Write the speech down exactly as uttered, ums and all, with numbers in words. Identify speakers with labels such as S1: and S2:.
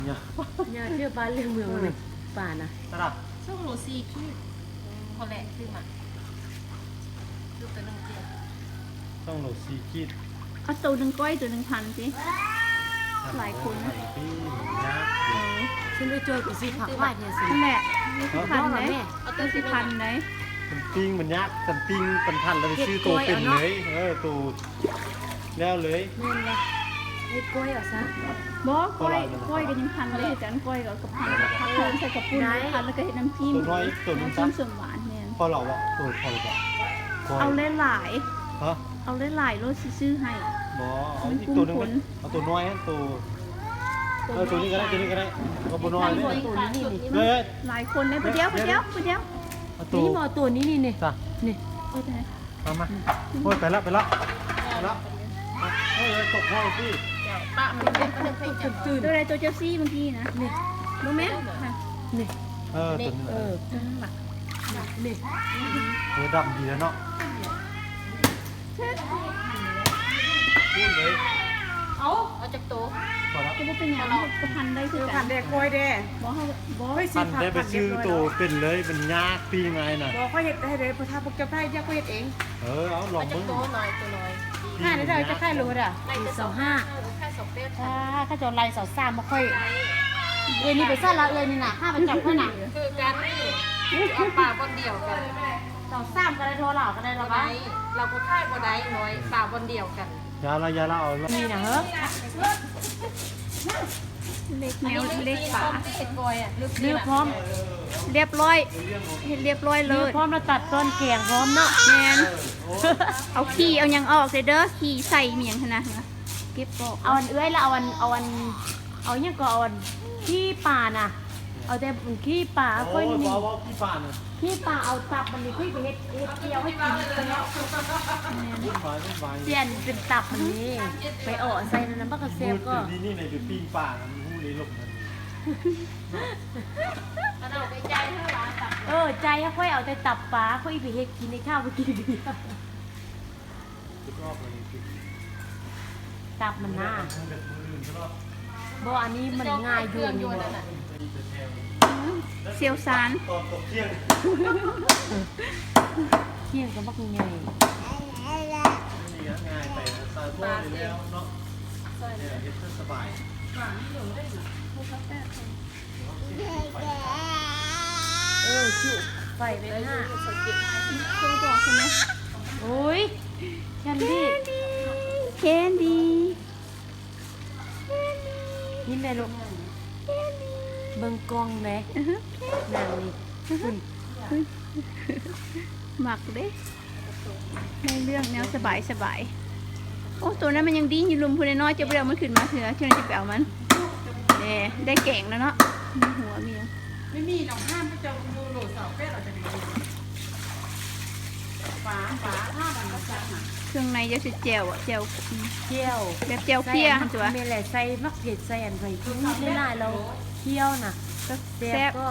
S1: เนี่ย
S2: เนี่ยเชื่อบ้านเรื่องเมืองเลยป่านะ
S1: ตลาด
S3: ช่วงโลซีคิดคนแหละซื้อมาซื้อตัวนึงเจีย
S1: ต้องโหลดซีกีด
S4: เอาตัวหนึ่งก้อยตัวหนึ่งพันสิหลายคนนะ
S1: พี่นะ
S2: ฉันไปเจอกับซีผักวาดเนี่ยสิ
S4: นั่นแหละนี่คือพันไหน
S3: เอาตั
S4: ตัว ว
S3: สิ
S4: สิ
S3: พั
S4: พั
S3: น
S4: นไหน
S1: เป็นปิ้งมันยากเป็นปิ้งเป็นพันแล้วชื่อตัวเป็นเลยเออตัวแล้วเลย
S2: นั่นแหละไอ้กล้วยเหรอซะ
S4: บ่ก้อยก้อยก็ยังพันเลยแต่อันก้อยก็กับพันกับพันเพิ่มใส่กับปุ้นพันแล้วก็เห็ดน้ำจิ้ม
S1: ตัวน้อยตัวนึง
S4: น้ำ
S1: จ้ะ
S4: จิ้มส่วนหวานเนี่ย
S1: พอเราอะตัวพอเรา
S4: เอาหลาย
S1: ฮะ
S4: ๆเอาหลายๆรสซื้อให้
S1: บอเอาอีกตัวนึงเอาตัวน้อยตัวเออตัวนี้ก็ได้ตัวนี้ก็ได้ก็บน้อยเลย
S2: ตัวนี้นี่นี่
S1: เฮ้ย
S4: หลายคนเลยไปเดียวไปเดียวไปเดียว
S1: เอาตัว
S2: นี่มอตัวนี้นี่นี่
S1: จ้ะ
S2: นี่
S4: โอ้ยตาย
S1: มามาโอ้ยไปละไปละไปละเฮ้ยตกห้องพี่
S3: เดี๋ยวป้ามันเป็นมันเป็น
S2: ตื่นตื่น
S4: ตัวอะไรตัวเจลซี่เมื่อกี้นะนี่รู้ไหมค่ะ
S2: นี่
S1: เออตัวนี้
S2: เออจังหวะนี่
S1: เออดำดีแล้วเนาะพูดเลย
S3: เอาเอาจากโต๊ะ
S1: พอละ
S4: จะว่าเป็นอย่างก็พันได้คือกั
S2: ผั
S4: น
S2: ดเด็กกล้วยเด้
S4: บ่เขาบ่
S2: เฮ้ย
S1: พันได้ไปซื้อตัวเป็นเลยเป็นยากปีไงน่ะ
S2: บอกเขาเห็ดให้เลยพอทาพวกเจ้าไพ่เจ้าก็เห็ดเอง
S1: เออเอาลอ
S3: เอา
S1: ง
S3: จาก
S1: มึง
S3: โต๊ะหน่อยตัวน้อย
S2: ห้าได้ได้จะไข่รู้อ่ะ
S3: ไล่
S2: สี่
S3: จะ
S2: สองห้า
S3: แค่สองเป๊ะ
S2: ถ้าข้าจะไล่สาวสามมาค่อยเอ้ยนี่ไปสั้นละเอ้ยนี่น่ะห้าไปจับเพื่อนน่ะ
S3: คือการนี่เอาป่าบนเดียวกัน
S2: สาวสามก็ได้โทรหลอกก็ได้
S3: เรา
S2: ละ
S3: ได้
S2: บ้า
S3: เราก็ค่ายบ่ได้น้อยป่าบนเดียวกัน
S1: ยาละยาละเอาละ
S2: นี่นะเฮ้ย
S4: เล็กแนวเล็ก
S3: ปา
S4: ป่า
S3: เห็ดกอยอ่ะลึก
S2: เนื้อพร้อม
S4: เรียบร้อยเห็นเรียบร้อยเล
S2: เนื้อย พร้อมแล้วตัดต้นแกงพร้อมเนาะ
S4: แมนเอาขี้เอายังออกเลยเด้อขี้ใส่เมียงขนาดนะเก็บบอก
S2: เอาอันเอ้ยแล้วเอาอันเอาอันเอาเนี่ยก็เอาอันขี้ป่าน่ะ เอาแต่ขี้ป่า
S1: โอ้
S2: ค่อย
S1: ย
S2: นี่
S1: บอกว่าพี่ป่าน
S2: ขี้ป่าเอาตับมันนี่ค่อยไปเฮ็ดเฮ็ดเกี๊ยวให้กินไปแล้ว
S1: วุ่นวายวุ่นวาย
S2: เปลี่ยนเป็นตับมันนี่ไปอ่อใส่น้ำมันก็เซฟก็
S1: ดีนี่ในดูปิ้งป่ามันหูนี้ลงมัน
S3: เราไปใจเท่าไหร่ตับ
S2: เออใจค่อยเอาแต่ตับปลาค่อยไปเฮ็ดกินในข้าวไปกินดี
S1: ทุกรอบเลย
S2: ตับมันน่าบ่อันนี้มันง่ายอยู่นี่
S3: นั่นน่ะ
S4: เซียวซาน
S1: ตอนตกเที่ยง
S2: เที่ยงก็บักใหญ่
S1: นี่ง่ายไปซาโต้เลยแล้วเนาะเนี่ยเฮ็ดสบาย
S2: เออจุไฟไปหน้า
S4: โทรบอกใช่ไหม
S2: โอ้ยแคนดี้
S4: แคนดี้
S2: นี่แม่ลูกเบิ่งกล้องแหมนางนี่ขึ้น
S4: หมักเด้ในเรื่องแนวสบายสบายโอ้ตัวนั้นมันยังดิ้นอยู่ลุมพูนน้อยจะไปเอามันขึ้นมาเถอะเชื่อจะไปเอามันเน่ได้แก่งแล้วเนาะมีหัวมียัง
S2: ไม่มีหนองห้ามจะดูโหลดเสาแก้เราจะดีฝาฝาห้ามันมาจากหา
S4: เครื่องในจะสิเจียวอ่ะเจียว
S2: เที่ยว
S4: แบบเจียวเพี้ยหั่นตัว
S2: เมล่ใส่มักเผ็ดใส่อันไว้ที่นี่ได้เราเที่ยวน่ะก็แซ่บก็